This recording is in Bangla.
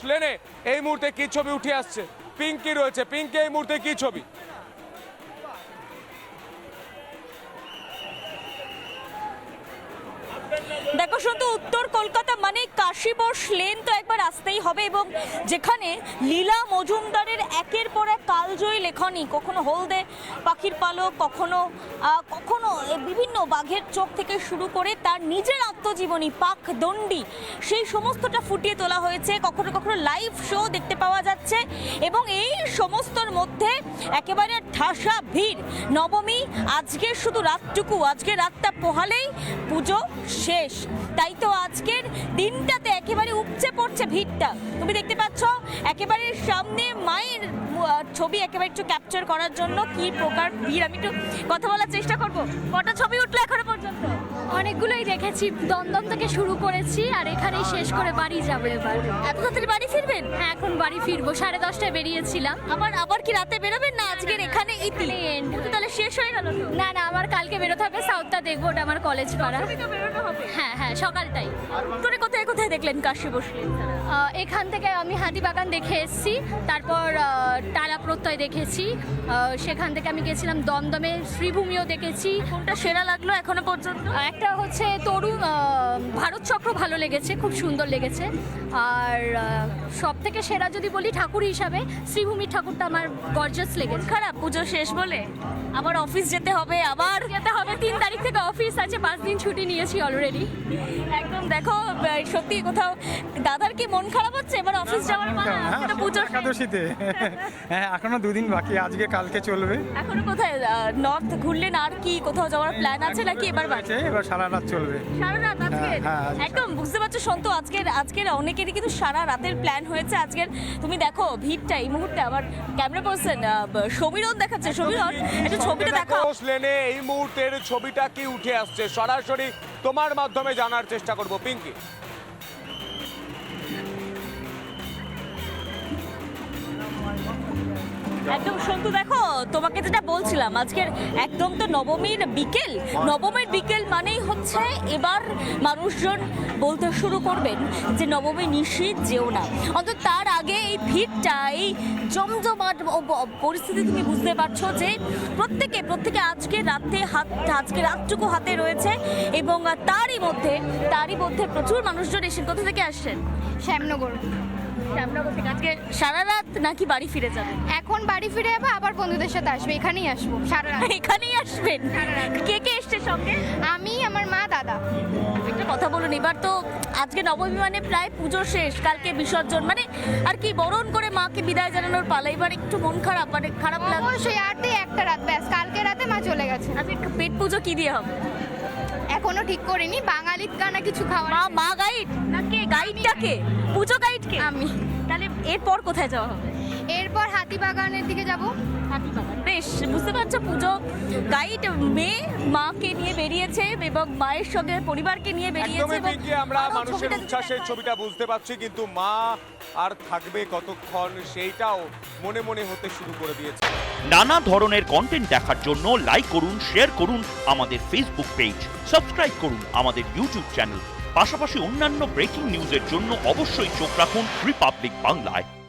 লেনে এই মুহূর্তে কি ছবি উঠে আসছে? পিঙ্কি রয়েছে, পিঙ্কি এই মুহূর্তে কি ছবি? দেখো শুধু উত্তর কলকাতা মানে কাশীবোস লেন তো একবার আসতেই হবে, এবং যেখানে লীলা মজুমদারের একের পর এক কালজয়ী লেখনী, কখনো হলদে পাখির পালক, কখনো কখনো বিভিন্ন বাঘের চোখ থেকে শুরু করে তার নিজের আত্মজীবনী পাকদণ্ডী, সেই সমস্তটা ফুটিয়ে তোলা হয়েছে। কখনো কখনো লাইভ শো দেখতে পাওয়া যাচ্ছে, এবং এই সমস্তর মধ্যে একেবারে ঠাসা ভিড়। নবমী আজকে শুধু রাতটুকু, আজকে রাতটা পোহালেই পুজো শেষ, তাই তো আজকের দিনটাতে একেবারে উপচে পড়ছে ভিড়টা। তুমি দেখতে পাচ্ছ একেবারে সামনে মায়ের ছবি একেবারে একটু ক্যাপচার করার জন্য কি প্রকার ভিড়। আমি একটু কথা বলার চেষ্টা করব। কটা ছবি উঠলো এখনো পর্যন্ত? অনেকগুলোই দেখেছি, দমদম থেকে শুরু করেছি আর এখানেই শেষ করে বাড়ি যাবো এবার। এত তাড়াতাড়ি বাড়ি ফিরবেন? হ্যাঁ, এখন বাড়ি ফিরবো, 10:30টায় বেরিয়েছিলাম। আবার কি রাতে বেরোবেন না আজকের এখানে ইতি? end। তাহলে শেষ হয়ে গেল তো? না না, আমার কালকে বেরোতে হবে, সাউথটা দেখবো, ওটা আমার কলেজ পাড়া। তো বেরোনো হবে। হ্যাঁ হ্যাঁ, সকালটাই। তোরে কোথায় কোথায় দেখলেন কাশীবোস লেন? এখান থেকে আমি হাতিবাগান দেখে এসেছি, তারপর টালা প্রত্যয় দেখেছি, সেখান থেকে আমি গেছিলাম দমদমে, শ্রীভূমিও দেখেছি। কোনটা সেরা লাগলো এখনো পর্যন্ত? একটা হচ্ছে তরুণ ভারত চক্র ভালো লেগেছে, খুব সুন্দর লেগেছে। আর সব থেকে সেরা যদি বলি ঠাকুর হিসাবে, শ্রীভূমির ঠাকুরটা আমার গর্জাস লেগেছে। খারাপ পুজো শেষ বলে আবার অফিস যেতে হবে, আবার যেতে হবে, 3 তারিখ থেকে অফিস আছে, 5 দিন ছুটি নিয়েছি অলরেডি। একদম দেখো সত্যি কোথাও দাদার কি মন খারাপ হচ্ছে এবার অফিস যাওয়ার মানে? আজকে তো পুজো শেষ। একাদশীতে হ্যাঁ, এখনো 2 দিন বাকি, আজকে কালকে চলবে। এখনো কোথায় নর্থ ঘুরলেন? আর কি কোথাও যাওয়ার প্ল্যান আছে নাকি এবার বাড়ি? এবার সারা রাত চলবে। সারা রাত আজকে? হ্যাঁ, আজকে একদম বুঝতে পারছো সন্তু, আজকের অনেকেরই কিন্তু সারা রাতের প্ল্যান হয়েছে আজকের। তুমি দেখো ভিড়টা এই মুহূর্তে। আমার ক্যামেরা পার্সন সমীরন দেখাচ্ছে। সমীরন একটু ছবিটা দেখাও। কাশীবোস লেনে এই মুহূর্তের ছবিটা কি উঠে আসছে সরাসরি তোমার মাধ্যমে জানার চেষ্টা করব পিঙ্কি। একদম সন্তু দেখো, তোমাকে যেটা বলছিলাম, আজকের একদম তো নবমীর বিকেল মানেই হচ্ছে এবার মানুষজন বলতে শুরু করবেন যে নবমী নিশীথ যেও না। অন্তত তার আগে এই ভিড়টা, এই জমজমাট পরিস্থিতি তুমি বুঝতে পারছো যে প্রত্যেকে আজকে রাতটুকু হাতে রয়েছে, এবং তারই মধ্যে প্রচুর মানুষজন এসে। কোথা থেকে আসছেন? শ্যামনগর। শ্যামনগর থেকে। আজকে সারা রাত নাকি বাড়ি ফিরে যাবেন? এখন বাড়ি ফিরে যাবো, আবার বন্ধুদের সাথে আসবো, এখানেই আসবো সারা রাত। এখানেই আসবেন? কে কে এসছে সঙ্গে? আমি, আমার মা, দাদা। একটা কথা বলুন, এবার তো আজকে নবমী মানে প্রায় পুজো শেষ, কালকে বিসর্জন, মানে আর কি বরণ করে মাকে বিদায় জানানোর পালা। এবার একটু মন খারাপ, মানে খারাপ লাগে। অবশ্যই, আর একটা রাত ব্যাস, কালকে রাতে মা চলে গেছে। আজকে পেট পুজো কি দিয়ে হবে? এখনো ঠিক করিনি, বাঙালির কানা কিছু খাওয়ার। মা গাইড না কে? গাইডটা কে? পুজো গাইড কে? আমি। তাহলে এরপর কোথায় যাওয়া হবে? এরপর হাতিবাগানের দিকে যাব। হাতিবাগান। বেশ, বুঝতে পারছো পুজো গাইড মেয়ে মাকে নিয়ে বেরিয়েছে, এবং মায়ের সঙ্গে পরিবারকে নিয়ে বেরিয়েছে। একদমই পিঙ্কি, আমরা আরো মানুষের ছবিটা যদি উচ্ছ্বাসের দেখায়। ছবিটা বুঝতে পারছি, কিন্তু মা আর থাকবে কতক্ষণ সেইটাও মনে মনে হতে শুরু করে দিয়েছে। নানা ধরনের কন্টেন্ট দেখার জন্য লাইক করুন, শেয়ার করুন আমাদের ফেসবুক পেজ, সাবস্ক্রাইব করুন আমাদের ইউটিউব চ্যানেল। পাশাপাশি অন্যান্য ব্রেকিং নিউজের জন্য অবশ্যই চোখ রাখুন রিপাবলিক বাংলায়।